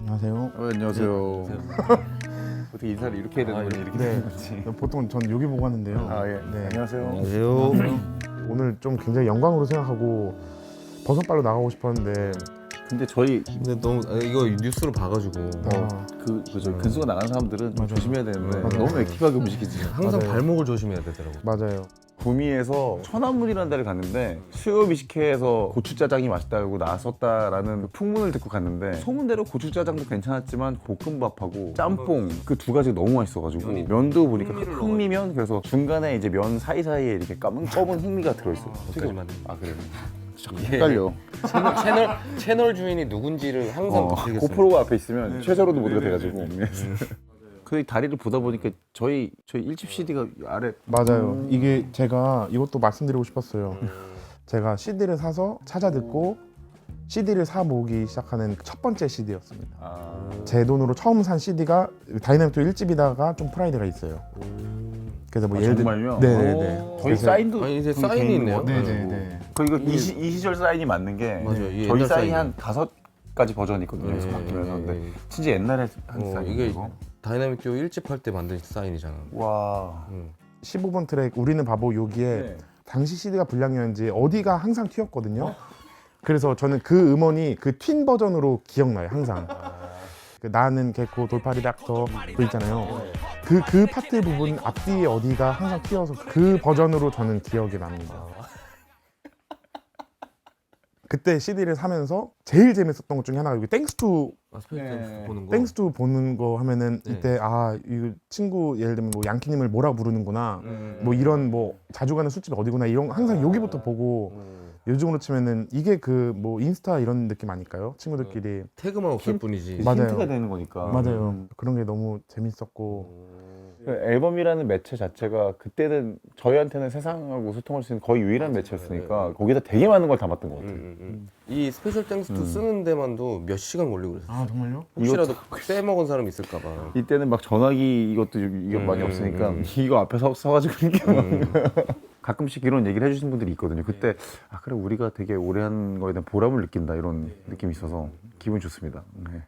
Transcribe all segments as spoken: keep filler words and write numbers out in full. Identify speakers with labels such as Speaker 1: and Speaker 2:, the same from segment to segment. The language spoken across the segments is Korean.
Speaker 1: 안녕하세요.
Speaker 2: 어, 안녕하세요. 어떻게 인사를 이렇게 해야 되는
Speaker 1: 아,
Speaker 2: 거지? 이렇게
Speaker 1: 네.
Speaker 2: 되는 거지?
Speaker 1: 보통 전 여기 보고 하는데요.
Speaker 2: 아 예.
Speaker 1: 네.
Speaker 2: 안녕하세요.
Speaker 3: 안녕하세요.
Speaker 1: 오늘 좀 굉장히 영광으로 생각하고 버선발로 나가고 싶었는데
Speaker 2: 근데 저희
Speaker 3: 근데 너무 아, 이거 뉴스로 봐가지고
Speaker 1: 아,
Speaker 2: 그 그저 근수가 나간 사람들은 좀
Speaker 1: 맞아요.
Speaker 2: 조심해야 되는데
Speaker 1: 맞아요.
Speaker 2: 너무 액티브하게 움직이지.
Speaker 3: 항상
Speaker 1: 맞아요.
Speaker 3: 발목을 조심해야 되더라고.
Speaker 1: 맞아요.
Speaker 2: 구미에서 천안문이라는 데를 갔는데 수요 비식회에서 고추짜장이 맛있다고 나섰다라는 그 풍문을 듣고 갔는데 소문대로 고추짜장도 괜찮았지만 볶음밥하고 짬뽕 그 두 가지가 너무 맛있어가지고 면도 보니까 흑미면 그래서 중간에 이제 면 사이사이에 이렇게 까만 검은 흑미가 들어있어요.
Speaker 3: 거기까지만.
Speaker 2: 아 그래요? 자꾸
Speaker 3: 예.
Speaker 2: 헷갈려.
Speaker 3: 채널, 채널 채널 주인이 누군지를 항상
Speaker 2: 어,
Speaker 3: 모르겠어요.
Speaker 2: 고프로가 앞에 있으면 최저로도 모드가 돼가지고 그 다리를 보다 보니까 저희 저희 일집 씨디가 아래
Speaker 1: 맞아요.
Speaker 2: 음.
Speaker 1: 이게 제가 이것도 말씀드리고 싶었어요. 제가 씨디를 사서 찾아 듣고 씨디를 사 모으기 시작하는 첫 번째 씨디였습니다.
Speaker 2: 아,
Speaker 1: 제 돈으로 처음 산 씨디가 다이나믹도 일 집이다가 좀 프라이드가 있어요. 그래서 뭐
Speaker 2: 아,
Speaker 1: 예를 들
Speaker 2: 정말요?
Speaker 1: 네네네.
Speaker 2: 저희
Speaker 1: 그래서-
Speaker 2: 사인도
Speaker 3: 아니, 이제
Speaker 2: 그
Speaker 3: 사인이
Speaker 2: 개인
Speaker 3: 있네요.
Speaker 2: 거
Speaker 1: 네네네.
Speaker 2: 그 이거 이, 시, 이 시절 사인이 맞는 게
Speaker 3: 맞아요. 이게
Speaker 2: 저희
Speaker 3: 옛날
Speaker 2: 사인이
Speaker 3: 사인이에요.
Speaker 2: 한 다섯 가지 버전이 있거든요. 그래서 바뀌면서 근데 진짜 옛날에 한
Speaker 3: 어,
Speaker 2: 사인
Speaker 3: 이게
Speaker 2: 이거.
Speaker 3: 다이나믹 듀오 일 집 할 때 만든 사인이잖아.
Speaker 2: 와.
Speaker 3: 응.
Speaker 1: 십오 번 트랙 우리는 바보 여기에
Speaker 2: 네.
Speaker 1: 당시 씨디가 불량이었는지 어디가 항상 튀었거든요. 그래서 저는 그 음원이 그 튄 버전으로 기억나요 항상. 그 나는 개코 돌팔이 닥터 그 있잖아요. 그 그 파트 부분 앞뒤에 어디가 항상 튀어서 그 버전으로 저는 기억이 납니다. 그때 씨디를 사면서 제일 재밌었던 것 중에 하나가 여기 땡스 투
Speaker 3: 아, 스페이스
Speaker 2: 네.
Speaker 3: 보는 거.
Speaker 1: 땡스 투 보는 거 하면은
Speaker 3: 네.
Speaker 1: 이때 아 이 친구 예를 들면 뭐 양키님을 뭐라 부르는구나
Speaker 3: 음.
Speaker 1: 뭐 이런 뭐 자주 가는 술집 어디구나 이런 거 항상 여기부터 보고
Speaker 3: 음.
Speaker 1: 요즘으로 치면은 이게 그 뭐 인스타 이런 느낌 아닐까요? 친구들끼리
Speaker 3: 태그만 없을
Speaker 2: 힌-
Speaker 3: 뿐이지.
Speaker 1: 맞아요.
Speaker 2: 힌트가 되는 거니까.
Speaker 1: 맞아요. 그런 게 너무 재밌었고
Speaker 2: 그 앨범이라는 매체 자체가 그때는 저희한테는 세상하고 소통할 수 있는 거의 유일한 매체였으니까 거기다 되게 많은 걸 담았던 것
Speaker 3: 음,
Speaker 2: 같아요.
Speaker 3: 음, 음. 이 스페셜 땡스 투
Speaker 2: 음.
Speaker 3: 쓰는 데만도 몇 시간 걸리고 그랬어.
Speaker 1: 아 정말요?
Speaker 3: 혹시라도 빼먹은 사람 있을까봐.
Speaker 2: 이때는 막 전화기 이것도 이게 많이
Speaker 3: 음,
Speaker 2: 없으니까
Speaker 3: 음.
Speaker 2: 이거 앞에 서, 서가지고 이렇게 막
Speaker 3: 음.
Speaker 2: 가끔씩 이런 얘기를 해주시는 분들이 있거든요. 그때 아 그래 우리가 되게 오래 한 거에 대한 보람을 느낀다 이런 느낌이 있어서 기분이 좋습니다. 네.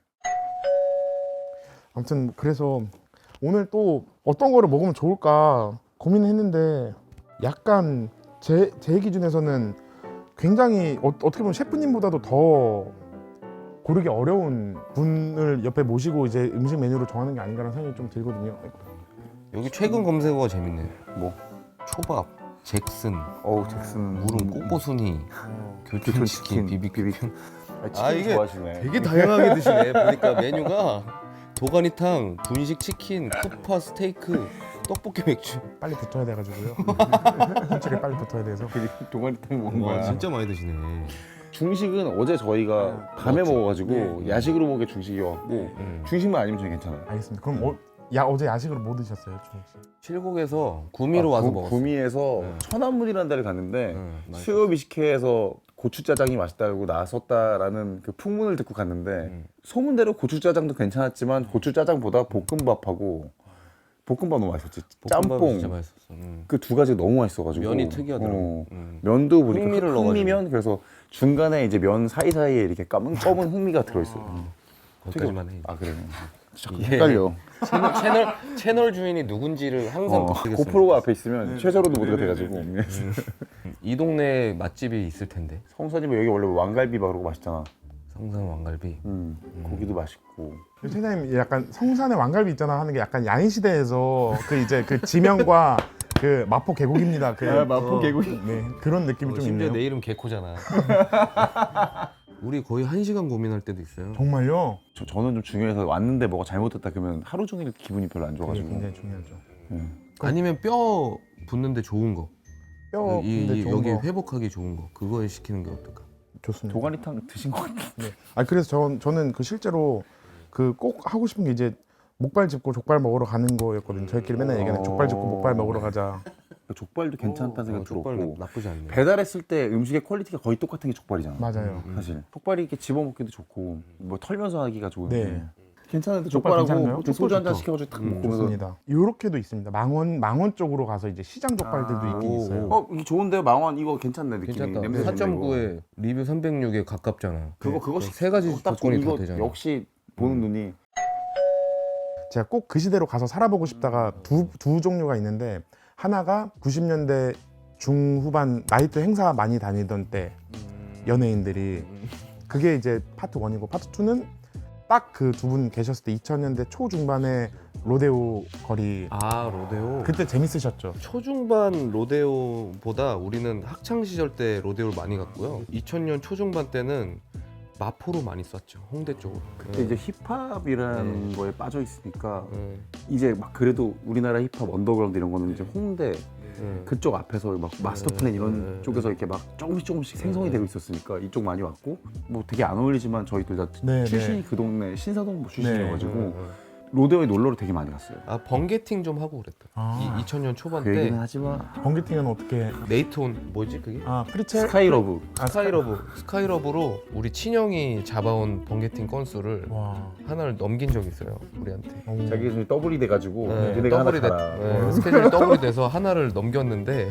Speaker 1: 아무튼 그래서 오늘 또 어떤 거를 먹으면 좋을까 고민했는데 약간 제, 제 기준에서는 굉장히 어, 어떻게 보면 셰프님보다도 더 고르기 어려운 분을 옆에 모시고 이제 음식 메뉴를 정하는 게 아닌가라는 생각이 좀 들거든요.
Speaker 3: 여기 최근 검색어가 재밌네.
Speaker 2: 뭐
Speaker 3: 초밥, 잭슨,
Speaker 2: 어우 잭슨
Speaker 3: 무름, 꼬꼬순이, 교촌치킨,
Speaker 2: 치킨,
Speaker 3: 비비큐.
Speaker 2: 아, 치킨
Speaker 3: 아, 이게
Speaker 2: 좋아하시네.
Speaker 3: 되게 다양하게 드시네. 보니까 메뉴가 도가니탕, 분식 치킨, 쿠파 스테이크, 떡볶이 맥주.
Speaker 1: 빨리 붙어야 돼가지고요. 솔직히 빨리 붙어야 돼서.
Speaker 2: 동아리탕 먹은
Speaker 3: 와
Speaker 2: 거야.
Speaker 3: 진짜 많이 드시네.
Speaker 2: 중식은 어제 저희가 밤에
Speaker 3: 맞죠.
Speaker 2: 먹어가지고
Speaker 3: 네.
Speaker 2: 야식으로 먹게 중식이었고
Speaker 3: 음.
Speaker 2: 중식만 아니면 저는 괜찮아요.
Speaker 1: 알겠습니다. 그럼 어, 야 어제 야식으로 뭐 드셨어요, 주홍 씨?
Speaker 3: 칠곡에서 구미로
Speaker 2: 아,
Speaker 3: 와서
Speaker 2: 구-
Speaker 3: 먹었어.
Speaker 2: 구미에서
Speaker 3: 네.
Speaker 2: 천안문이라는 데를 갔는데
Speaker 3: 응, 맛있었어.
Speaker 2: 수요 비식회에서 고추짜장이 맛있다고 나섰다라는 그 풍문을 듣고 갔는데
Speaker 3: 음.
Speaker 2: 소문대로 고추짜장도 괜찮았지만 고추짜장보다 볶음밥하고 볶음밥 너무 맛있었지.
Speaker 3: 볶음밥이
Speaker 2: 짬뽕
Speaker 3: 진짜 맛있었어. 음.
Speaker 2: 그 두 가지가 너무 맛있어가지고
Speaker 3: 면이 특이하더라고.
Speaker 2: 어.
Speaker 3: 음.
Speaker 2: 면도 보니까
Speaker 3: 흑미를
Speaker 2: 흑미면 그래서 중간에 이제 면 사이사이에 이렇게 까만 검은 흑미가 들어있어요.
Speaker 3: 거기까지만 해.
Speaker 2: 아 그래요? 자꾸
Speaker 3: 예.
Speaker 2: 헷갈려.
Speaker 3: 채널, 채널 채널 주인이 누군지를 항상
Speaker 2: 어,
Speaker 3: 모르겠어요.
Speaker 2: 고프로가 앞에 있으면 최저로도 모드가 돼가지고
Speaker 3: 이 동네에 맛집이 있을 텐데.
Speaker 2: 성산이면 여기 원래 왕갈비 바르고 맛있잖아.
Speaker 3: 성산 왕갈비.
Speaker 2: 음, 고기도 맛있고.
Speaker 1: 최장님 약간 성산의 왕갈비 있잖아 하는 게 약간 야인 시대에서 그 이제 그 지명과 그 마포 계곡입니다. 그
Speaker 2: 아, 마포 계곡이.
Speaker 1: 네 그런 느낌이
Speaker 3: 어,
Speaker 1: 좀
Speaker 3: 심지어
Speaker 1: 있네요.
Speaker 3: 내 이름 개코잖아. 우리 거의 한 시간 고민할 때도 있어요.
Speaker 1: 정말요?
Speaker 2: 저, 저는 좀 중요해서 왔는데 뭐가 잘못됐다 그러면 하루 종일 기분이 별로 안
Speaker 1: 그게
Speaker 2: 좋아가지고.
Speaker 1: 굉장히 중요하죠.
Speaker 2: 음.
Speaker 3: 아니면 뼈 붙는데 좋은 거.
Speaker 1: 뼈
Speaker 3: 이,
Speaker 1: 근데
Speaker 3: 이,
Speaker 1: 좋은
Speaker 3: 여기
Speaker 1: 거
Speaker 3: 회복하기 좋은 거. 그거에 시키는 게 어떨까?
Speaker 1: 좋습니다.
Speaker 2: 도가니탕 드신 것 같아.
Speaker 1: 아 그래서 전 저는 그 실제로 그 꼭 하고 싶은 게 이제 목발 짚고 족발 먹으러 가는 거였거든요. 저희끼리 맨날 얘기하는 족발 짚고 목발 먹으러 가자.
Speaker 2: 족발도 괜찮다는 생각
Speaker 3: 어, 족발
Speaker 2: 들었고.
Speaker 3: 나쁘지 않네.
Speaker 2: 배달했을 때 음식의 퀄리티가 거의 똑같은 게 족발이잖아.
Speaker 1: 맞아요.
Speaker 2: 사실 족발이 이렇게 집어먹기도 좋고 뭐 털면서 하기가 좋은데
Speaker 1: 네.
Speaker 2: 괜찮은데
Speaker 1: 족발
Speaker 2: 족발하고
Speaker 1: 괜찮나요?
Speaker 2: 또 소주 한 잔
Speaker 1: 족발
Speaker 2: 시켜가지고 딱
Speaker 3: 음,
Speaker 2: 먹으면서
Speaker 1: 좋습니다. 이렇게도 있습니다. 망원 망원 쪽으로 가서 이제 시장 족발들도
Speaker 2: 아,
Speaker 1: 있긴
Speaker 3: 오,
Speaker 1: 있어요.
Speaker 3: 오.
Speaker 2: 어 이거 좋은데요 망원 이거 괜찮네 느낌이
Speaker 3: 괜찮다.
Speaker 2: 냄새 좋네,
Speaker 3: 사 점 구에 리뷰 삼백육에 가깝잖아.
Speaker 2: 그거 그거
Speaker 3: 세 가지
Speaker 2: 딱
Speaker 3: 조건이
Speaker 2: 이거
Speaker 3: 다 되잖아.
Speaker 2: 역시 보는 눈이.
Speaker 1: 제가 꼭 그 시대로 가서 살아보고 싶다가 두, 두 종류가 있는데 하나가 구십 년대 중후반 나이트 행사 많이 다니던 때 연예인들이 그게 이제 파트 원이고 파트 투는 딱 그 두 분 계셨을 때 이천 년대 초중반에 로데오 거리
Speaker 3: 아 로데오.
Speaker 1: 그때 재밌으셨죠?
Speaker 3: 초중반 로데오보다 우리는 학창 시절 때 로데오를 많이 갔고요. 이천 년 초중반 때는 마포로 많이 쐈죠. 홍대 쪽으로.
Speaker 2: 그때 이제 힙합이라는
Speaker 3: 네.
Speaker 2: 거에 빠져 있으니까
Speaker 3: 네.
Speaker 2: 이제 막 그래도 우리나라 힙합 언더그라운드 이런 거는 이제 홍대
Speaker 3: 네.
Speaker 2: 그쪽 앞에서 막 마스터 플랜 이런
Speaker 3: 네.
Speaker 2: 쪽에서 이렇게 막 조금씩 조금씩 생성이
Speaker 3: 네.
Speaker 2: 되고 있었으니까 이쪽 많이 왔고 뭐 되게 안 어울리지만 저희 둘 다
Speaker 1: 네,
Speaker 2: 출신이
Speaker 1: 네.
Speaker 2: 그 동네 신사동 출신이어가지고
Speaker 3: 네.
Speaker 2: 로데오에 놀러를 되게 많이 갔어요.
Speaker 3: 아 번개팅 좀 하고 그랬다.
Speaker 1: 아.
Speaker 3: 이 이천 년 초반
Speaker 2: 그
Speaker 3: 때
Speaker 2: 얘기는 하지 마.
Speaker 1: 번개팅은 어떻게?
Speaker 3: 네이트온 뭐지 그게?
Speaker 1: 아 프리첼?
Speaker 2: 스카이러브.
Speaker 1: 아,
Speaker 3: 스카이러브. 스카이러브로 우리 친형이 잡아온 번개팅 건수를
Speaker 1: 와.
Speaker 3: 하나를 넘긴 적이 있어요 우리한테.
Speaker 1: 오.
Speaker 2: 자기 좀 더블이 돼가지고
Speaker 3: 네,
Speaker 2: 얘네가 하나
Speaker 3: 더블이 돼-
Speaker 2: 가라.
Speaker 3: 네,
Speaker 2: 어.
Speaker 3: 스케줄이 더블이 돼서 하나를 넘겼는데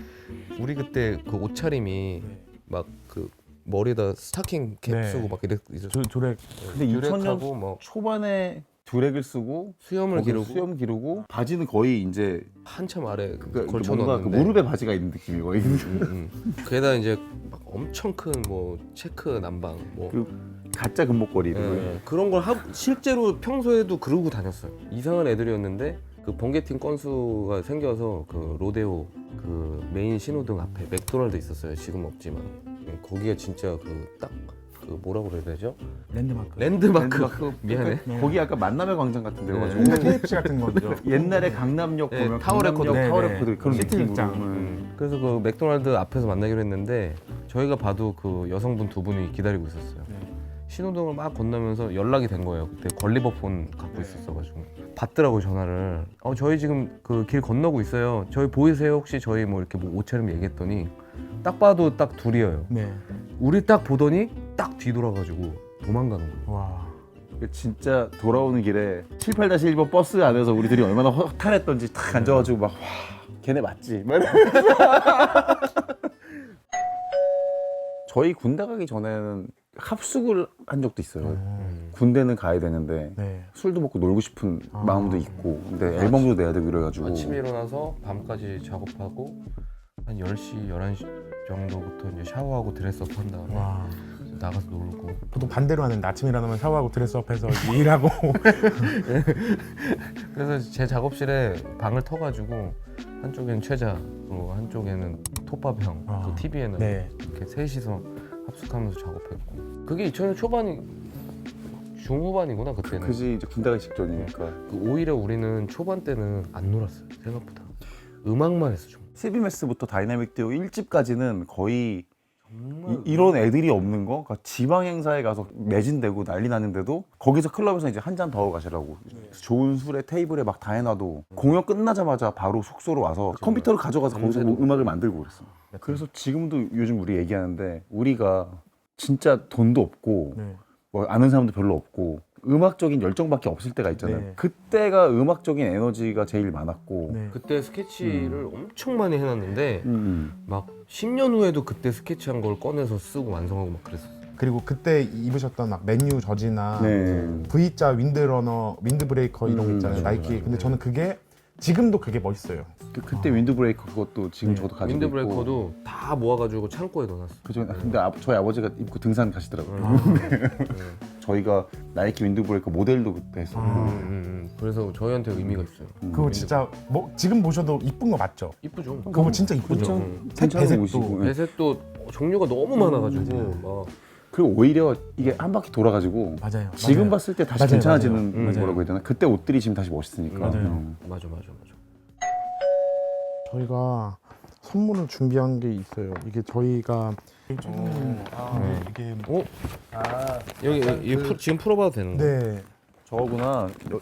Speaker 3: 우리 그때 그 옷차림이 막 그 머리에다 스타킹 캡
Speaker 1: 네.
Speaker 3: 쓰고 막 이랬 있었어.
Speaker 1: 조, 조렉
Speaker 2: 근데 이천 년
Speaker 3: 듀렉하고 뭐
Speaker 2: 초반에 드랙을 쓰고
Speaker 3: 수염을
Speaker 2: 거기서
Speaker 3: 기르고
Speaker 2: 수염 기르고 바지는 거의 이제
Speaker 3: 한참 아래
Speaker 2: 그, 그
Speaker 3: 걸쳐
Speaker 2: 뭔가 그
Speaker 3: 놓는데
Speaker 2: 무릎에 바지가 있는 느낌이 거의.
Speaker 3: 음, 음. 게다가 이제 막 엄청 큰 뭐 체크 남방 뭐
Speaker 2: 그 가짜 금목걸이 이런 거.
Speaker 3: 예, 그런 걸 하, 실제로 평소에도 그러고 다녔어요. 이상한 애들이었는데 그 번개팅 건수가 생겨서 그 로데오 그 메인 신호등 앞에 맥도날드 있었어요. 지금 없지만 예, 거기에 진짜 그 딱 그 뭐라고 그래야 되죠?
Speaker 1: 랜드마크.
Speaker 3: 랜드마크.
Speaker 2: 랜드마크.
Speaker 3: 미안해.
Speaker 1: 네.
Speaker 2: 거기 약간 만남의 광장 같은 데여가지고
Speaker 1: 홍대 케이에프씨 같은 거죠.
Speaker 2: 옛날에 강남역
Speaker 3: 네,
Speaker 2: 보면
Speaker 3: 타워
Speaker 2: 강남역
Speaker 3: 레코드.
Speaker 2: 타워
Speaker 1: 네, 네.
Speaker 2: 레코드 그런
Speaker 1: 시티
Speaker 2: 느낌으로.
Speaker 1: 극장.
Speaker 2: 음.
Speaker 3: 그래서 그 맥도날드 앞에서 만나기로 했는데 저희가 봐도 그 여성분 두 분이 기다리고 있었어요.
Speaker 1: 네.
Speaker 3: 신호등을 막 건너면서 연락이 된 거예요. 그때 걸리버폰 갖고 있었어가지고 받더라고요 전화를. 어 저희 지금 그 길 건너고 있어요. 저희 보이세요? 혹시 저희 뭐 이렇게 뭐 옷차림 얘기했더니 딱 봐도 딱 둘이에요.
Speaker 1: 네.
Speaker 3: 우리 딱 보더니 딱 뒤돌아가지고 도망가는 거예요.
Speaker 1: 와.
Speaker 2: 진짜 돌아오는 길에 칠십팔 일 번 버스 안에서 우리들이 얼마나 허탈했던지 탁 앉아가지고 막 와, 걔네 맞지? 막 이러면서. 저희 군대 가기 전에는 합숙을 한 적도 있어요.
Speaker 1: 음.
Speaker 2: 군대는 가야 되는데
Speaker 1: 네.
Speaker 2: 술도 먹고 놀고 싶은
Speaker 1: 아.
Speaker 2: 마음도 있고 근데 앨범도 내야 되고 이래가지고
Speaker 3: 아침에 일어나서 밤까지 작업하고 한 열 시, 열한 시 정도부터 이제 샤워하고 드레스업 한 다음에
Speaker 1: 와.
Speaker 3: 나가서 놀고
Speaker 1: 보통 반대로 하는데 아침 일어나면 샤워하고 드레스업해서 일하고.
Speaker 3: 그래서 제 작업실에 방을 터가지고 한쪽에는 최자 그리고 한쪽에는 톱밥형
Speaker 1: 아.
Speaker 3: 그 티비에는
Speaker 1: 네.
Speaker 3: 이렇게 셋이서 합숙하면서 작업했고 그게 이천 년 초반이 중후반이구나 그때는
Speaker 2: 그지 이제 군대 가기 직전이니까.
Speaker 3: 그 오히려 우리는 초반 때는 안 놀았어요 생각보다 음악만 했어 좀.
Speaker 2: 씨비메스부터 다이나믹 듀오 일 집까지는 거의
Speaker 3: 정말
Speaker 2: 이, 런 애들이 없는 거? 그러니까 지방 행사에 가서 매진되고 난리 나는데도 거기서 클럽에서 이제 한 잔 더 가시라고 좋은 술에 테이블에 막 다 해놔도 공연 끝나자마자 바로 숙소로 와서 컴퓨터를 가져가서 거기서 뭐 음악을 만들고 그랬어. 그래서 지금도 요즘 우리 얘기하는데 우리가 진짜 돈도 없고
Speaker 1: 네.
Speaker 2: 뭐 아는 사람도 별로 없고 음악적인 열정밖에 없을 때가 있잖아요.
Speaker 1: 네.
Speaker 2: 그때가 음악적인 에너지가 제일 많았고
Speaker 1: 네.
Speaker 3: 그때 스케치를 엄청 많이 해놨는데
Speaker 2: 음.
Speaker 3: 막 십 년 후에도 그때 스케치한 걸 꺼내서 쓰고 완성하고 막 그랬었어.
Speaker 1: 그리고 그때 입으셨던 막 맨유 저지나
Speaker 2: 네.
Speaker 1: V자 윈드러너, 윈드브레이커 이런 거
Speaker 2: 음,
Speaker 1: 있잖아요.
Speaker 2: 맞아,
Speaker 1: 나이키. 근데 저는 그게 지금도 그게 멋있어요.
Speaker 2: 그, 그때 윈드브레이커 그것도 지금
Speaker 1: 네.
Speaker 2: 저도 가지고 있고
Speaker 3: 윈드브레이커도 다 모아가지고 창고에 넣어놨어.
Speaker 2: 그죠. 근데 아, 저희 아버지가 입고 등산 가시더라고요.
Speaker 3: 음.
Speaker 2: 저희가 나이키 윈드브레이커 모델도 그때 했었고
Speaker 1: 아.
Speaker 3: 음, 음, 음. 그래서 저희한테 의미가 있어요.
Speaker 1: 그거 진짜 뭐 지금 보셔도 이쁜 거 맞죠?
Speaker 3: 이쁘죠.
Speaker 1: 그거 진짜 이쁘죠.
Speaker 3: 음.
Speaker 1: 색
Speaker 2: 괜찮은
Speaker 1: 배색도.
Speaker 2: 옷이고. 네.
Speaker 3: 배색도 종류가 너무 많아가지고 막
Speaker 2: 그리고 오히려 이게 한 바퀴 돌아가지고
Speaker 1: 맞아요.
Speaker 2: 지금
Speaker 1: 맞아요.
Speaker 2: 봤을 때 다시
Speaker 1: 맞아요,
Speaker 2: 괜찮아지는
Speaker 3: 맞아요. 음,
Speaker 2: 거라고 해야 되나? 그때 옷들이 지금 다시 멋있으니까.
Speaker 1: 맞아요.
Speaker 2: 음.
Speaker 3: 맞아 맞아 맞아.
Speaker 1: 저희가 선물을 준비한 게 있어요. 이게 저희가 음,
Speaker 2: 아,
Speaker 1: 네, 이게
Speaker 3: 어? 여기 이 풀- 지금 풀어봐도 되는 거야?
Speaker 1: 네,
Speaker 2: 저거구나. 여-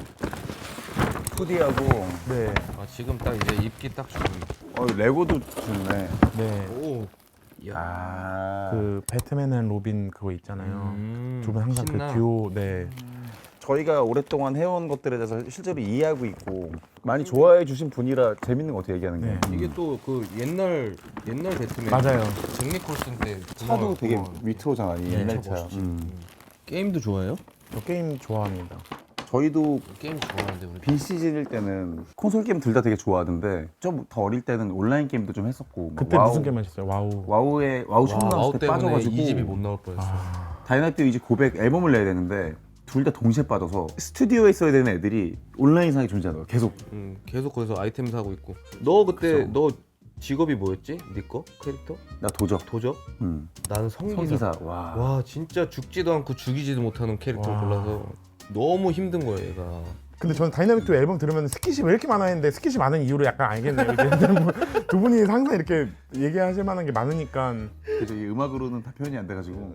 Speaker 2: 푸디하고
Speaker 1: 네,
Speaker 3: 아 지금 딱 이제 입기 딱 좋은.
Speaker 2: 어, 레고도 좋네.
Speaker 1: 네.
Speaker 3: 오. 야.
Speaker 2: 아.
Speaker 1: 그 배트맨 앤 로빈 그거 있잖아요.
Speaker 3: 음,
Speaker 1: 두 분 항상
Speaker 3: 신나.
Speaker 1: 그 듀오. 네.
Speaker 2: 저희가 오랫동안 해온 것들에 대해서 실제로 이해하고 있고 많이 좋아해 주신 분이라 재밌는 것 같아요 얘기하는 게.
Speaker 1: 네.
Speaker 3: 이게 또 그 옛날 옛날 배트맨
Speaker 1: 맞아요.
Speaker 3: 잭 니콜슨 때
Speaker 2: 차도
Speaker 3: 그거-
Speaker 2: 되게
Speaker 3: 그거
Speaker 2: 위트로잖아. 이
Speaker 3: 네,
Speaker 2: 옛날
Speaker 3: 차
Speaker 2: 차.
Speaker 3: 멋있지.
Speaker 2: 음.
Speaker 3: 게임도 좋아해요?
Speaker 1: 저 게임 좋아합니다.
Speaker 2: 저희도
Speaker 3: 게임 좋아하는데 우리.
Speaker 2: 빈시즌일 때는 콘솔 게임 둘 다 되게 좋아하는데 좀 더 어릴 때는 온라인 게임도 좀 했었고 막
Speaker 1: 그때
Speaker 2: 와우,
Speaker 1: 무슨 게임 하셨어요? 와우.
Speaker 2: 와우에 와우 처음
Speaker 3: 와,
Speaker 2: 나왔을
Speaker 3: 와우
Speaker 2: 때
Speaker 3: 때문에
Speaker 2: 빠져가지고
Speaker 3: 이 집이 못 나올 뻔했어.
Speaker 1: 아,
Speaker 2: 다이나믹 듀오 이제 고백 앨범을 내야 되는데 둘 다 동시에 빠져서 스튜디오에 있어야 되는 애들이 온라인상에 존재하더라고 계속.
Speaker 3: 응, 계속 거기서 아이템 사고 있고. 너 그때
Speaker 2: 그쵸.
Speaker 3: 너 직업이 뭐였지? 네 거? 캐릭터?
Speaker 2: 나 도적.
Speaker 3: 도적?
Speaker 2: 음.
Speaker 3: 나는 성기사.
Speaker 2: 성기사. 와.
Speaker 3: 와 진짜 죽지도 않고 죽이지도 못하는 캐릭터를
Speaker 1: 와.
Speaker 3: 골라서 너무 힘든 거예요 얘가.
Speaker 1: 근데 저는 다이나믹 듀오 앨범 들으면 스킷이 왜 이렇게 많아 했는데 스킷이 많은 이유를 약간 알겠네요. 이제 두 분이 항상 이렇게 얘기하실 만한 게 많으니까.
Speaker 2: 그죠. 이 음악으로는 다 표현이 안 돼가지고.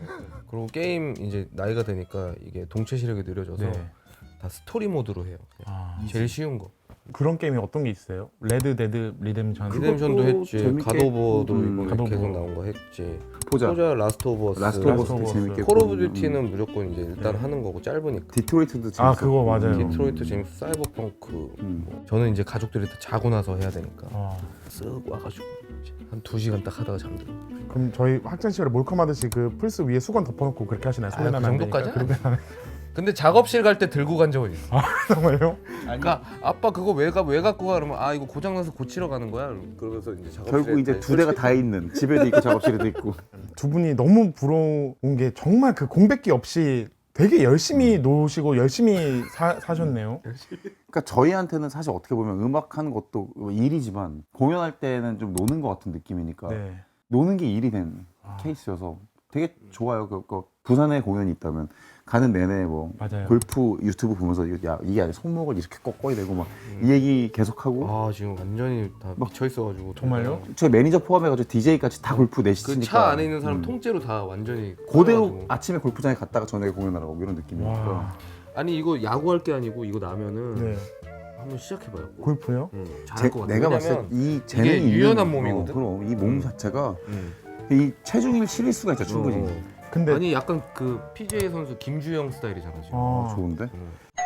Speaker 3: 그리고 게임 이제 나이가 되니까 이게 동체 시력이 느려져서
Speaker 1: 네.
Speaker 3: 다 스토리 모드로 해요.
Speaker 1: 아,
Speaker 3: 제일 쉬운 거.
Speaker 1: 그런 게임이 어떤 게 있어요? 레드 데드 리뎀션.
Speaker 3: 리뎀션도 했지.
Speaker 2: 재밌게
Speaker 3: 갓오버도
Speaker 2: 음,
Speaker 3: 이번에
Speaker 1: 갓 오브.
Speaker 3: 계속 나온 거 했지.
Speaker 2: 보자.
Speaker 3: 포자 라스트 오브 어스.
Speaker 2: 라스트 오브
Speaker 1: 라스트 오브
Speaker 2: 어스
Speaker 1: 어스.
Speaker 2: 재밌게.
Speaker 3: 콜 오브
Speaker 2: 했고,
Speaker 3: 듀티는
Speaker 2: 음.
Speaker 3: 무조건 이제 일단 하는 거고 짧으니까.
Speaker 2: 디트로이트도 재밌었고.
Speaker 1: 아, 그거 맞아요.
Speaker 2: 음.
Speaker 3: 디트로이트 재밌어. 사이버펑크.
Speaker 2: 음.
Speaker 3: 뭐. 저는 이제 가족들이 다 자고 나서 해야 되니까
Speaker 1: 아,
Speaker 3: 쓱 와가지고 한 두 시간 딱 하다가 잠들어.
Speaker 1: 그럼 저희 학창 시절에 몰컴하듯이 그 플스 위에 수건 덮어놓고 그렇게 하시나요?
Speaker 3: 아,
Speaker 1: 소리
Speaker 3: 그
Speaker 1: 나면 안 되니까.
Speaker 3: 정도까지는
Speaker 1: 그렇게 하나요?
Speaker 3: 근데 작업실 갈 때 들고 간 적은 있어.
Speaker 1: 정말요?
Speaker 3: 그러니까 아빠 그거 왜, 가, 왜 갖고 가? 그러면 아 이거 고장나서 고치러 가는 거야. 그러면서 이제 작업실에
Speaker 2: 결국 이제 두 대가 다 있는 집에도 있고 작업실에도 있고.
Speaker 1: 두 분이 너무 부러운 게 정말 그 공백기 없이 되게 열심히 노시고 열심히 사, 사셨네요.
Speaker 2: 그러니까 저희한테는 사실 어떻게 보면 음악하는 것도 일이지만 공연할 때는 좀 노는 것 같은 느낌이니까
Speaker 1: 네.
Speaker 2: 노는 게 일이 된
Speaker 1: 아.
Speaker 2: 케이스여서 되게 좋아요. 그, 그 부산에 공연이 있다면 가는 내내 뭐
Speaker 1: 맞아요.
Speaker 2: 골프 유튜브 보면서 이거 야 이게 아니라 손목을 이렇게 꺾어야 되고 막 이 얘기 계속하고
Speaker 3: 아 지금 완전히 다 미쳐 있어가지고
Speaker 1: 정말요?
Speaker 2: 저희 매니저 포함해가지고 디제이까지 다 골프
Speaker 3: 그
Speaker 2: 내시니까
Speaker 3: 차 안에 있는 사람
Speaker 2: 음.
Speaker 3: 통째로 다 완전히
Speaker 2: 그대로
Speaker 3: 꺼가지고.
Speaker 2: 아침에 골프장에 갔다가 저녁에 공연하라고 이런 느낌이니까
Speaker 1: 와.
Speaker 3: 아니 이거 야구할 게 아니고 이거 나면은
Speaker 1: 네.
Speaker 3: 한번 시작해봐요.
Speaker 1: 골프요?
Speaker 3: 응,
Speaker 2: 제,
Speaker 3: 잘할 것 같아.
Speaker 2: 내가 봤을
Speaker 3: 왜냐면
Speaker 2: 때 이 재능이
Speaker 3: 이게 유연한
Speaker 2: 있는-
Speaker 3: 몸이거든?
Speaker 2: 어, 그럼 이 몸
Speaker 3: 음.
Speaker 2: 자체가
Speaker 3: 응.
Speaker 2: 이 체중을 실을 수가 있죠 충분히.
Speaker 3: 어.
Speaker 1: 근데
Speaker 3: 아니 약간 그 피지에이 선수 김주영 스타일이잖아 지금.
Speaker 1: 어,
Speaker 2: 좋은데?
Speaker 3: 응.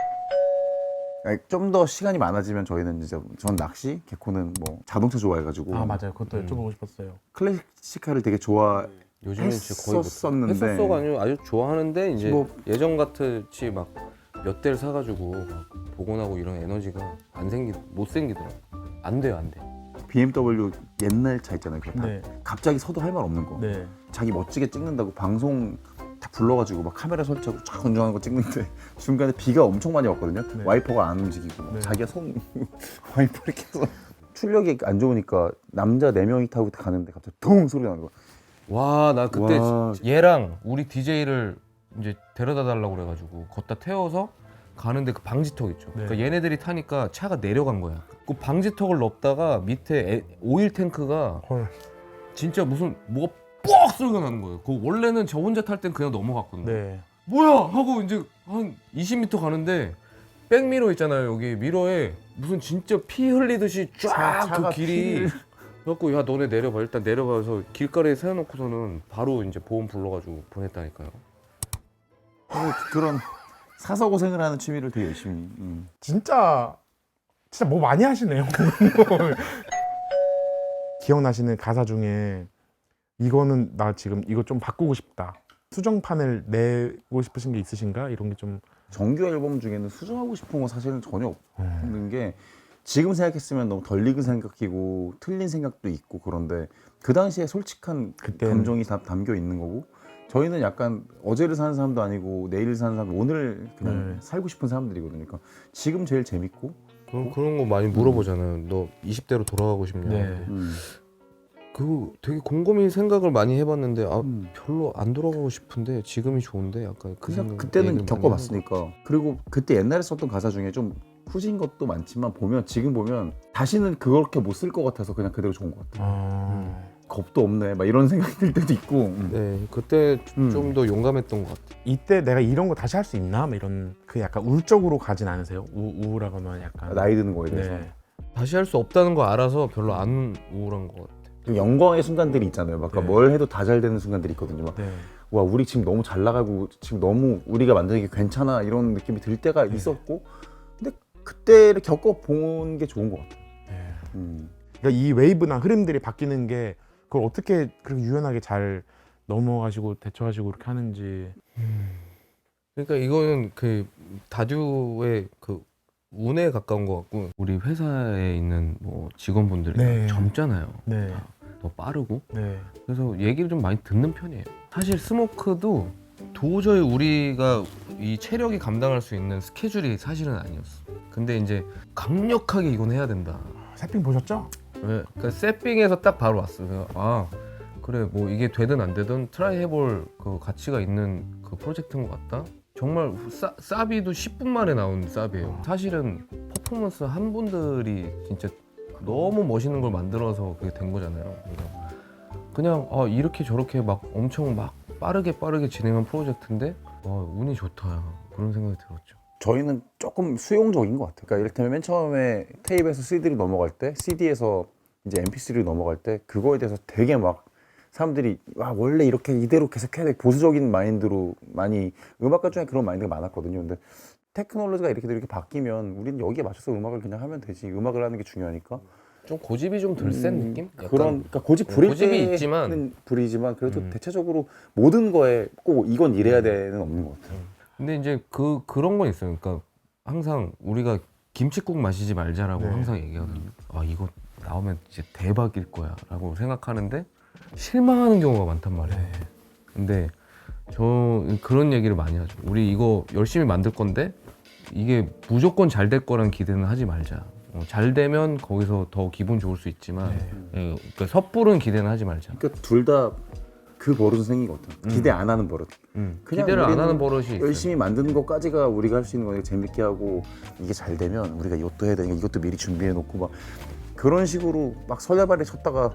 Speaker 2: 좀 더 시간이 많아지면 저희는 이제 전 낚시, 개코는 뭐 자동차 좋아해가지고
Speaker 1: 아 맞아요. 그것도
Speaker 3: 음.
Speaker 1: 여쭤보고 싶었어요.
Speaker 2: 클래식카를 되게 좋아.
Speaker 3: 요즘엔 진짜 거의 못
Speaker 2: 했었었는데.
Speaker 3: 했었어가 아니고 아주 좋아하는데 이제
Speaker 2: 뭐-
Speaker 3: 예전 같이 막 몇 대를 사가지고 막 복원하고 이런 에너지가 안 생기 못 생기더라. 안 돼요 안 돼.
Speaker 2: 비엠더블유 옛날 차 있잖아요. 그거 다
Speaker 1: 네.
Speaker 2: 갑자기 서도 할 말 없는 거.
Speaker 1: 네.
Speaker 2: 자기 멋지게 찍는다고 방송 다 불러가지고 막 카메라 설치하고 쫙 운전하는 거 찍는데 중간에 비가 엄청 많이 왔거든요.
Speaker 1: 네.
Speaker 2: 와이퍼가 안 움직이고 막
Speaker 1: 네.
Speaker 2: 자기가 손 와이퍼 이렇게 해서 출력이 안 좋으니까 남자 네 명이 타고 가는데 갑자기 동 소리 나는 거야.
Speaker 3: 와 나 그때
Speaker 2: 와.
Speaker 3: 얘랑 우리 디제이를 이제 데려다 달라고 그래가지고 걷다 태워서 가는데 그 방지턱 있죠.
Speaker 1: 네.
Speaker 3: 그러니까 얘네들이 타니까 차가 내려간 거야. 그 방지턱을 넘다가 밑에 에- 오일 탱크가
Speaker 1: 헐.
Speaker 3: 진짜 무슨 뭐가 뻑 소리가 나는 거예요. 그 원래는 저 혼자 탈 땐 그냥 넘어갔거든요.
Speaker 1: 네.
Speaker 3: 뭐야 하고 이제 한 이십 미터 가는데 백미러 있잖아요. 여기 미러에 무슨 진짜 피 흘리듯이
Speaker 2: 차-
Speaker 3: 쫙 그
Speaker 2: 차가
Speaker 3: 길이
Speaker 2: 피를-
Speaker 3: 그래갖고 야 너네 내려봐 일단 내려봐서 길가에 세워놓고서는 바로 이제 보험 불러가지고 보냈다니까요.
Speaker 2: 하고 그런 사서 고생을 하는 취미를 되게 열심히. 음.
Speaker 1: 진짜 진짜 뭐 많이 하시네요. 기억나시는 가사 중에 이거는 나 지금 이거 좀 바꾸고 싶다. 수정판을 내고 싶으신 게 있으신가? 이런 게 좀
Speaker 2: 정규 앨범 중에는 수정하고 싶은 건 사실은 전혀
Speaker 1: 음.
Speaker 2: 없는 게 지금 생각했으면 너무 덜 익은 생각이고 틀린 생각도 있고 그런데 그 당시에 솔직한
Speaker 1: 그때는-
Speaker 2: 감정이 다 담겨 있는 거고 저희는 약간 어제를 사는 사람도 아니고 내일을 사는 사람 오늘 그냥
Speaker 1: 네.
Speaker 2: 살고 싶은 사람들이거든요. 그러니까 지금 제일 재밌고
Speaker 3: 그런 그런 거 많이 물어보잖아요. 너 이십 대로 돌아가고 싶냐?
Speaker 1: 네.
Speaker 2: 음.
Speaker 3: 그 되게 곰곰이 생각을 많이 해봤는데 아
Speaker 2: 음.
Speaker 3: 별로 안 돌아가고 싶은데 지금이 좋은데 약간 그
Speaker 2: 그냥
Speaker 3: 생각
Speaker 2: 그때는
Speaker 3: 얘기를 많이
Speaker 2: 겪어봤으니까 그리고 그때 옛날에 썼던 가사 중에 좀 후진 것도 많지만 보면 지금 보면 다시는 그렇게 못 쓸 것 같아서 그냥 그대로 좋은 것 같아요.
Speaker 1: 아...
Speaker 2: 겁도 없네 막 이런 생각이 들 때도 있고 음.
Speaker 3: 네 그때
Speaker 2: 음.
Speaker 3: 좀 더 용감했던 것 같아요.
Speaker 1: 이때 내가 이런 거 다시 할 수 있나? 뭐 이런 그 약간 울적으로 가진 않으세요? 우, 우울하거나 약간
Speaker 2: 나이 드는 거에 대해서
Speaker 1: 네.
Speaker 3: 다시 할 수 없다는 거 알아서 별로 안 우울한 것 같아요.
Speaker 2: 좀 영광의 순간들이 있잖아요. 막
Speaker 1: 네.
Speaker 2: 뭘 해도 다 잘 되는 순간들이 있거든요. 막,
Speaker 1: 네.
Speaker 2: 와 우리 지금 너무 잘 나가고 지금 너무 우리가 만드는 게 괜찮아 이런 느낌이 들 때가
Speaker 1: 네.
Speaker 2: 있었고 근데 그때를 겪어본 게 좋은 것 같아요.
Speaker 1: 네.
Speaker 2: 음.
Speaker 1: 그러니까 이 웨이브나 흐름들이 바뀌는 게 그걸 어떻게 그렇게 유연하게 잘 넘어가시고 대처하시고 그렇게 하는지
Speaker 3: 그러니까 이거는 그 다듀의 그 운에 가까운 것 같고 우리 회사에 있는 뭐 직원분들이
Speaker 1: 네.
Speaker 3: 젊잖아요.
Speaker 1: 네.
Speaker 3: 다 더 빠르고
Speaker 1: 네.
Speaker 3: 그래서 얘기를 좀 많이 듣는 편이에요. 사실 스모크도 도저히 우리가 이 체력이 감당할 수 있는 스케줄이 사실은 아니었어. 근데 이제 강력하게 이건 해야 된다.
Speaker 1: 세핑 보셨죠?
Speaker 3: 왜? 그러니까 세핑에서 딱 바로 왔어. 그래서 아 그래 뭐 이게 되든 안 되든 트라이 해볼 그 가치가 있는 그 프로젝트인 것 같다. 정말 싸, 사비도 십 분 만에 나온 사비예요. 사실은 퍼포먼스 한 분들이 진짜 너무 멋있는 걸 만들어서 그게 된 거잖아요. 그래서 그냥 아 이렇게 저렇게 막 엄청 막 빠르게 빠르게 진행한 프로젝트인데 와 운이 좋다 그런 생각이 들었죠.
Speaker 2: 저희는 조금 수용적인 것 같아요. 그러니까 이를테면 맨 처음에 테이프에서 씨디로 넘어갈 때, 씨디에서 이제 엠피쓰리로 넘어갈 때 그거에 대해서 되게 막 사람들이 와 원래 이렇게 이대로 계속 해야 돼 보수적인 마인드로 많이 음악가 중에 그런 마인드가 많았거든요. 근데 테크놀로지가 이렇게 이렇게 바뀌면 우리는 여기에 맞춰서 음악을 그냥 하면 되지. 음악을 하는 게 중요하니까.
Speaker 3: 좀 고집이 좀 덜 센
Speaker 2: 음,
Speaker 3: 느낌? 약간
Speaker 2: 그런 그러니까 고집 부릴
Speaker 3: 고집이
Speaker 2: 때는
Speaker 3: 있지만
Speaker 2: 부리지만 그래도
Speaker 3: 음.
Speaker 2: 대체적으로 모든 거에 꼭 이건 이래야 되는 없는 것 같아요.
Speaker 3: 근데 이제 그 그런 건 있어요. 그러니까 항상 우리가 김칫국 마시지 말자라고
Speaker 1: 네.
Speaker 3: 항상 얘기하거든요. 아 이거 나오면 진짜 대박일 거야라고 생각하는데 실망하는 경우가 많단 말이에요.
Speaker 1: 네.
Speaker 3: 근데 저 그런 얘기를 많이 하죠. 우리 이거 열심히 만들 건데 이게 무조건 잘 될 거란 기대는 하지 말자. 어, 잘 되면 거기서 더 기분 좋을 수 있지만
Speaker 1: 네.
Speaker 3: 예, 그러니까 섣부른 기대는 하지 말자.
Speaker 2: 그러니까 둘 다 그 버릇은 생긴 것 같아요.
Speaker 3: 음.
Speaker 2: 기대 안 하는 버릇.
Speaker 3: 음,
Speaker 2: 그냥
Speaker 3: 기대를 안
Speaker 2: 우리는
Speaker 3: 하는 버릇이 있어요.
Speaker 2: 열심히 만드는 것까지가 우리가 할 수 있는 거니까 재밌게 하고 이게 잘 되면 우리가 이것도 해야 되니까 이것도 미리 준비해 놓고 막 그런 식으로 막 설레발에 쳤다가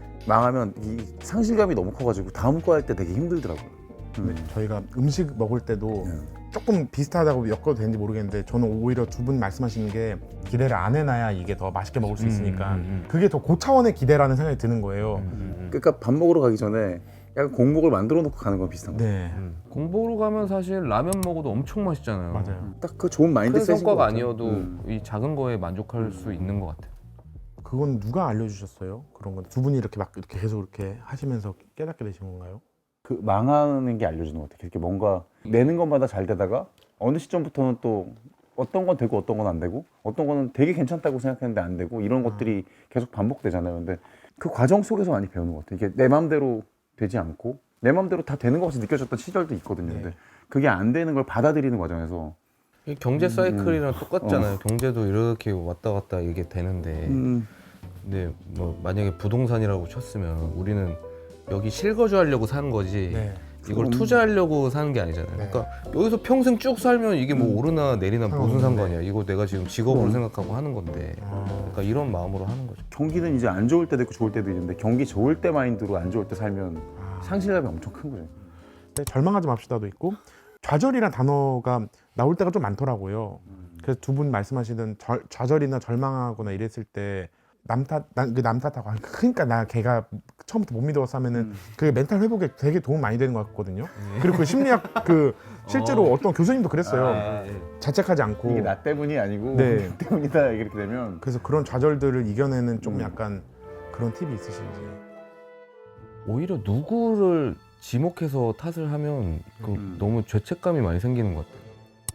Speaker 2: 망하면 이 상실감이 너무 커가지고 다음 거 할 때 되게 힘들더라고요. 음.
Speaker 1: 저희가 음식 먹을 때도
Speaker 2: 네.
Speaker 1: 조금 비슷하다고 엮어도 되는지 모르겠는데 저는 오히려 두 분 말씀하시는 게 기대를 안 해놔야 이게 더 맛있게 먹을 수 있으니까
Speaker 3: 음, 음, 음.
Speaker 1: 그게 더 고차원의 기대라는 생각이 드는 거예요.
Speaker 3: 음, 음.
Speaker 2: 그러니까 밥 먹으러 가기 전에 약간 공복을 만들어 놓고 가는 건 비슷한 거예요.
Speaker 1: 네,
Speaker 3: 음. 공보로 가면 사실 라면 먹어도 엄청 맛있잖아요.
Speaker 1: 맞아요.
Speaker 2: 딱 그 좋은 마인드
Speaker 3: 큰
Speaker 2: 셋인 것
Speaker 3: 성과가
Speaker 2: 같아요.
Speaker 3: 아니어도
Speaker 2: 음.
Speaker 3: 이 작은 거에 만족할 수 있는 것 같아요.
Speaker 1: 그건 누가 알려주셨어요? 그런 건 두 분이 이렇게 막 이렇게 계속 이렇게 하시면서 깨닫게 되신 건가요?
Speaker 2: 그 망하는 게 알려주는 것 같아요. 이렇게 뭔가 내는 것마다 잘 되다가 어느 시점부터는 또 어떤 건 되고 어떤 건 안 되고 어떤 거는 되게 괜찮다고 생각했는데 안 되고 이런 것들이 계속 반복되잖아요. 근데 그 과정 속에서 많이 배우는 것 같아요. 이게 내 마음대로 되지 않고 내 마음대로 다 되는 것 같이 느껴졌던 시절도 있거든요.
Speaker 1: 네.
Speaker 2: 근데 그게 안 되는 걸 받아들이는 과정에서
Speaker 3: 이 경제 사이클이랑
Speaker 2: 어.
Speaker 3: 똑같잖아요. 경제도 이렇게 왔다 갔다 이게 되는데
Speaker 2: 음,
Speaker 3: 근데 뭐 만약에 부동산이라고 쳤으면 우리는 여기 실거주 하려고 사는 거지
Speaker 1: 네.
Speaker 3: 이걸
Speaker 2: 그럼.
Speaker 3: 투자하려고 사는 게 아니잖아요.
Speaker 1: 네.
Speaker 3: 그러니까 여기서 평생 쭉 살면 이게 뭐
Speaker 2: 음.
Speaker 3: 오르나 내리나 무슨
Speaker 1: 상관없는데.
Speaker 3: 상관이야. 이거 내가 지금 직업으로
Speaker 2: 그럼.
Speaker 3: 생각하고 하는 건데
Speaker 1: 아,
Speaker 3: 그러니까 이런 마음으로 하는 거죠.
Speaker 2: 경기는 이제 안 좋을 때도 있고 좋을 때도 있는데 경기 좋을 때 마인드로 안 좋을 때 살면
Speaker 1: 아.
Speaker 2: 상실감이 엄청 큰 거죠.
Speaker 1: 네, 절망하지 맙시다도 있고 좌절이란 단어가 나올 때가 좀 많더라고요. 그래서 두 분 말씀하시던 절, 좌절이나 절망하거나 이랬을 때 남 탓, 그 남 탓하고 아, 그러니까 나 걔가 처음부터 못 믿어서 하면은
Speaker 2: 음.
Speaker 1: 그게 멘탈 회복에 되게 도움 많이 되는 것 같거든요. 그리고 그 심리학 그 실제로
Speaker 3: 어.
Speaker 1: 어. 떤 교수님도 그랬어요.
Speaker 3: 아, 예.
Speaker 1: 자책하지 않고.
Speaker 2: 이게 나 때문이 아니고
Speaker 1: 네.
Speaker 2: 나 때문이다 이렇게 되면
Speaker 1: 그래서 그런 좌절들을 이겨내는 좀
Speaker 2: 음.
Speaker 1: 약간 그런 팁이 있으신지.
Speaker 3: 오히려 누구를 지목해서 탓을 하면 그
Speaker 2: 음.
Speaker 3: 너무 죄책감이 많이 생기는 것 같아요.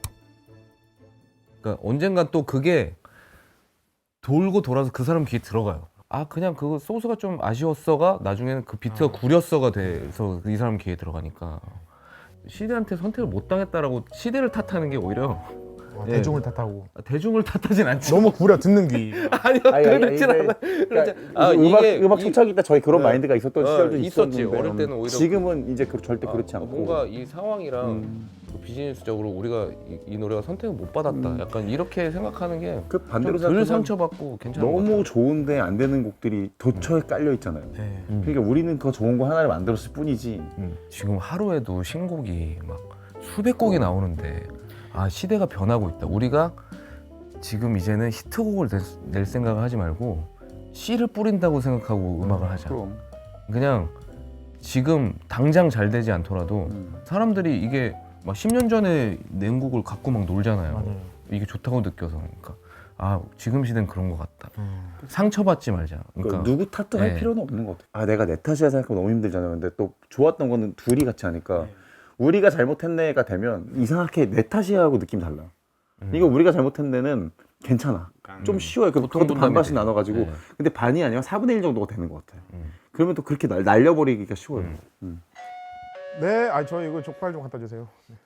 Speaker 3: 그러니까 언젠간 또 그게 돌고 돌아서 그 사람 귀에 들어가요. 아 그냥 그 소스가 좀 아쉬웠어가 나중에는 그 비트가
Speaker 1: 아.
Speaker 3: 구렸어가 돼서 이 사람 귀에 들어가니까 시대한테 선택을 못 당했다라고 시대를 탓하는 게 오히려
Speaker 1: 어,
Speaker 3: 예.
Speaker 1: 대중을 탓하고
Speaker 3: 대중을 탓하진 않지.
Speaker 1: 너무 구려 듣는 귀.
Speaker 3: 아니요
Speaker 2: 아니, 아니,
Speaker 3: 그렇진
Speaker 2: 이게-
Speaker 3: 않아. 그렇지
Speaker 2: 그러니까
Speaker 3: 아,
Speaker 2: 음악
Speaker 3: 이게
Speaker 2: 음악
Speaker 3: 이-
Speaker 2: 초창기 때 저희 그런
Speaker 3: 네.
Speaker 2: 마인드가 있었던
Speaker 3: 어,
Speaker 2: 시절도
Speaker 3: 있었지.
Speaker 2: 있었는데
Speaker 3: 어릴 때는 오히려
Speaker 2: 지금은 이제 그 절대 그렇지
Speaker 3: 아,
Speaker 2: 않고
Speaker 3: 뭔가 이 상황이랑
Speaker 2: 음.
Speaker 3: 그 비즈니스적으로 우리가 이, 이 노래가 선택을 못 받았다.
Speaker 2: 음.
Speaker 3: 약간 이렇게 생각하는 게
Speaker 2: 그 반대로
Speaker 3: 좀 덜
Speaker 2: 생각하면
Speaker 3: 상처받고 괜찮은 것
Speaker 2: 너무
Speaker 3: 같아요.
Speaker 2: 좋은데 안 되는 곡들이 도처에 깔려 있잖아요.
Speaker 1: 네.
Speaker 3: 음.
Speaker 2: 그러니까 우리는 그 좋은 거 하나를 만들었을 뿐이지.
Speaker 3: 음. 지금 하루에도 신곡이 막 수백 곡이 나오는데 아 시대가 변하고 있다. 우리가 지금 이제는 히트곡을 낼, 낼 생각을 하지 말고 씨를 뿌린다고 생각하고 음악을 하자.
Speaker 2: 그럼.
Speaker 3: 그냥 지금 당장 잘 되지 않더라도
Speaker 2: 음.
Speaker 3: 사람들이 이게 막 십 년 전에 낸 곡을 갖고 막 놀잖아요.
Speaker 1: 맞아요.
Speaker 3: 이게 좋다고 느껴서 그러니까 아 지금 시대는 그런 것 같다.
Speaker 1: 음.
Speaker 3: 상처받지 말자.
Speaker 2: 그러니까
Speaker 3: 그러니까
Speaker 2: 누구 탓도 할
Speaker 3: 네.
Speaker 2: 필요는 없는 것 같아요. 아 내가 내 탓이야 생각하면 너무 힘들잖아요. 근데 또 좋았던 거는 둘이 같이 하니까 우리가 잘못했네가 되면 이상하게 내 탓이야 하고 느낌 달라.
Speaker 3: 음.
Speaker 2: 이거 우리가 잘못했네는 괜찮아. 좀 쉬워요. 그,
Speaker 3: 보통
Speaker 2: 그것도
Speaker 3: 분담이
Speaker 2: 반반씩
Speaker 3: 돼요.
Speaker 2: 나눠가지고.
Speaker 3: 네.
Speaker 2: 근데 반이 아니면 사분의 일 정도가 되는 것 같아.
Speaker 3: 음.
Speaker 2: 그러면 또 그렇게 날, 날려버리기가 쉬워요.
Speaker 3: 음.
Speaker 2: 음.
Speaker 1: 네, 아, 저 이거 족발 좀 갖다 주세요. 네.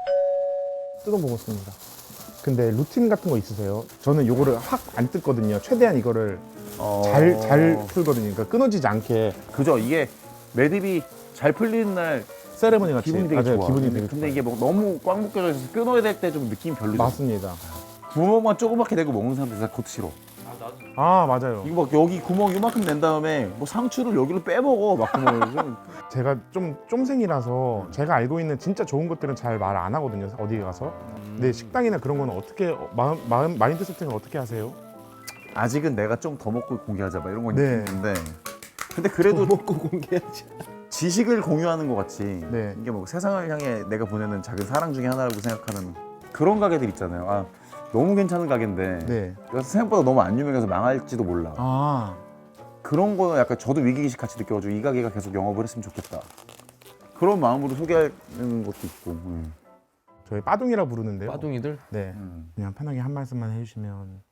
Speaker 1: 뜯어보겠습니다. 근데 루틴 같은 거 있으세요? 저는 요거를 확 안 뜯거든요. 최대한 이거를
Speaker 2: 어...
Speaker 1: 잘, 잘 풀거든요. 그러니까 끊어지지 않게.
Speaker 2: 그죠. 이게 매듭이 잘 풀리는 날
Speaker 1: 세레머니 같이.
Speaker 2: 기분이 되게
Speaker 1: 맞아요,
Speaker 2: 좋아.
Speaker 1: 기분이
Speaker 2: 근데,
Speaker 1: 되게
Speaker 2: 근데
Speaker 1: 좋아요.
Speaker 2: 이게 뭐 너무 꽉 묶여져 있어서 끊어야 될 때 좀 느낌이 별로죠.
Speaker 1: 맞습니다.
Speaker 2: 구멍만 조그맣게 내고 먹는 사람들 다 그것도 싫어.
Speaker 1: 아, 맞아요.
Speaker 2: 이거 막 여기 구멍 이만큼 낸 다음에 뭐 상추를 여기로 빼먹어 막 구멍을 좀.
Speaker 1: 제가 좀 쫌생이라서 제가 알고 있는 진짜 좋은 것들은 잘 말 안 하거든요. 어디 가서. 근데 식당이나 그런 거는 어떻게 어, 마음, 마음 마인드 세팅을 어떻게 하세요?
Speaker 2: 아직은 내가 좀 더 먹고 공개하자 막 이런 건
Speaker 1: 네.
Speaker 2: 있는데 근데 그래도
Speaker 3: 먹고 공개하지.
Speaker 2: 지식을 공유하는 것 같이
Speaker 1: 네.
Speaker 2: 이게 뭐 세상을 향해 내가 보내는 작은 사랑 중에 하나라고 생각하는 그런 가게들 있잖아요. 아 너무 괜찮은 가게인데
Speaker 1: 네.
Speaker 2: 그래서 생각보다 너무 안 유명해서 망할지도 몰라.
Speaker 1: 아,
Speaker 2: 그런 거는 약간 저도 위기의식 같이 느껴가지고 이 가게가 계속 영업을 했으면 좋겠다. 그런 마음으로 소개하는 것도 있고. 음.
Speaker 1: 저희 빠둥이라 부르는데요.
Speaker 3: 빠둥이들?
Speaker 1: 네.
Speaker 2: 음.
Speaker 1: 그냥 편하게 한 말씀만 해주시면.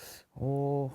Speaker 3: 어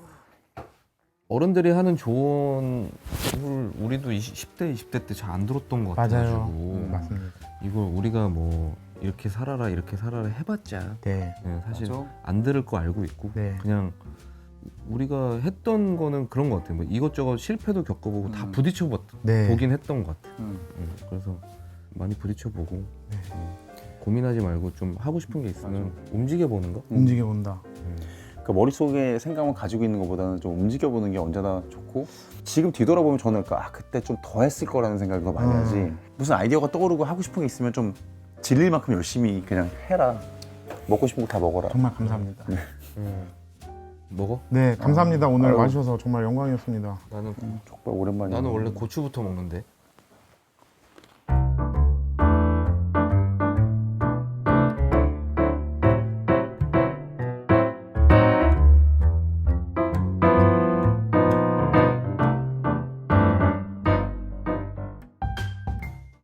Speaker 3: 어른들이 하는 조언을 우리도 십 대, 이십 대 때 잘 안 들었던 것 같아가지고
Speaker 1: 음, 맞습니다.
Speaker 3: 이걸 우리가 뭐 이렇게 살아라 이렇게 살아라 해봤자
Speaker 1: 네.
Speaker 3: 네, 사실
Speaker 2: 맞아.
Speaker 3: 안 들을 거 알고 있고
Speaker 1: 네.
Speaker 3: 그냥 우리가 했던 거는 그런 것 같아요. 뭐 이것저것 실패도 겪어보고 다
Speaker 2: 음.
Speaker 3: 부딪혀
Speaker 1: 네.
Speaker 3: 보긴 했던 것 같아요.
Speaker 2: 음.
Speaker 3: 음, 그래서 많이 부딪혀보고
Speaker 1: 네.
Speaker 3: 음, 고민하지 말고 좀 하고 싶은 게 있으면 움직여보는 거.
Speaker 1: 움직여 본다.
Speaker 3: 음.
Speaker 2: 그러니까 머릿속에 생각만 가지고 있는 것보다는 좀 움직여보는 게 언제나 좋고 지금 뒤돌아보면 저는 아 그때 좀 더 했을 거라는 생각을 더 많이
Speaker 1: 음.
Speaker 2: 하지 무슨 아이디어가 떠오르고 하고 싶은 게 있으면 좀 질릴 만큼 열심히 그냥 해라. 먹고 싶은 거 다 먹어라.
Speaker 1: 정말 감사합니다.
Speaker 3: 음. 먹어?
Speaker 1: 네, 감사합니다. 오늘
Speaker 2: 아유.
Speaker 1: 와주셔서 정말 영광이었습니다.
Speaker 3: 나는
Speaker 2: 족발 오랜만이야.
Speaker 3: 나는 원래 고추부터 먹는데.